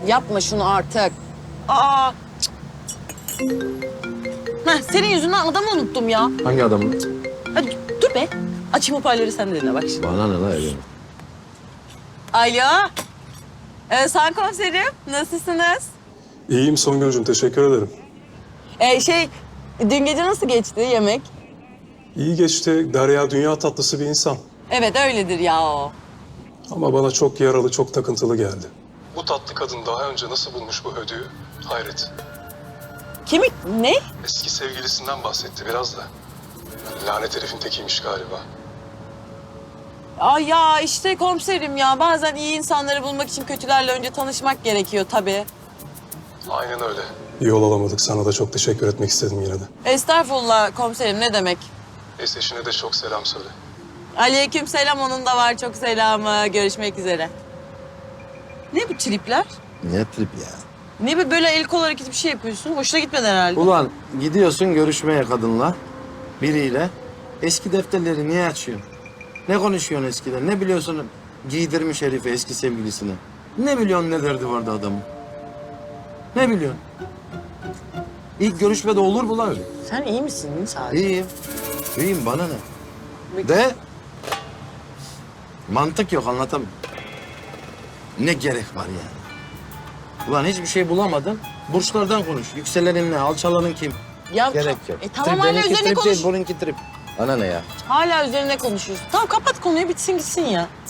Yapma şunu artık. Aa. Heh, senin yüzünden adamı unuttum ya. Hangi adamı? Hadi dur be. Açayım hoparlörü sen de dinle bak şimdi. Bana ne la öyle? Alo. Sen komiserim. Nasılsınız? İyiyim Songül'cüm, teşekkür ederim. Dün gece nasıl geçti yemek? İyi geçti. Derya dünya tatlısı bir insan. Evet öyledir ya o. Ama bana çok yaralı, çok takıntılı geldi. Bu tatlı kadın daha önce nasıl bulmuş bu ödüğü? Hayret. Kimi? Ne? Eski sevgilisinden bahsetti biraz da. Lanet herifin tekiymiş galiba. Ay ya işte komiserim ya. Bazen iyi insanları bulmak için kötülerle önce tanışmak gerekiyor tabii. Aynen öyle. Yol alamadık. Sana da çok teşekkür etmek istedim yine de. Estağfurullah komiserim ne demek? Eşine de çok selam söyle. Aleyküm selam onun da var çok selamı. Görüşmek üzere. Ne bu tripler? Ne trip ya? Ne böyle el kol hareketi bir şey yapıyorsun? Hoşuna gitmedi herhalde. Ulan gidiyorsun görüşmeye kadınla, biriyle. Eski defterleri niye açıyorsun? Ne konuşuyorsun eskiden? Ne biliyorsun giydirmiş herifi eski sevgilisine? Ne biliyorsun ne derdi vardı adamın? Ne biliyorsun? İlk görüşmede olur bu lan öyle. Sen iyi misin Sadi? İyiyim. İyiyim bana ne? De mantık yok anlatamam. Ne gerek var yani? Ulan hiçbir şey bulamadın. Burçlardan konuş. Yükselenin ne? Alçalanın kim? Ya, Gerek yok. Tamam hala Benimki üzerine trip konuş. değil, bununki trip. Bana ne ya? Hala üzerine konuşuyorsun. Tamam kapat konuyu bitsin gitsin ya.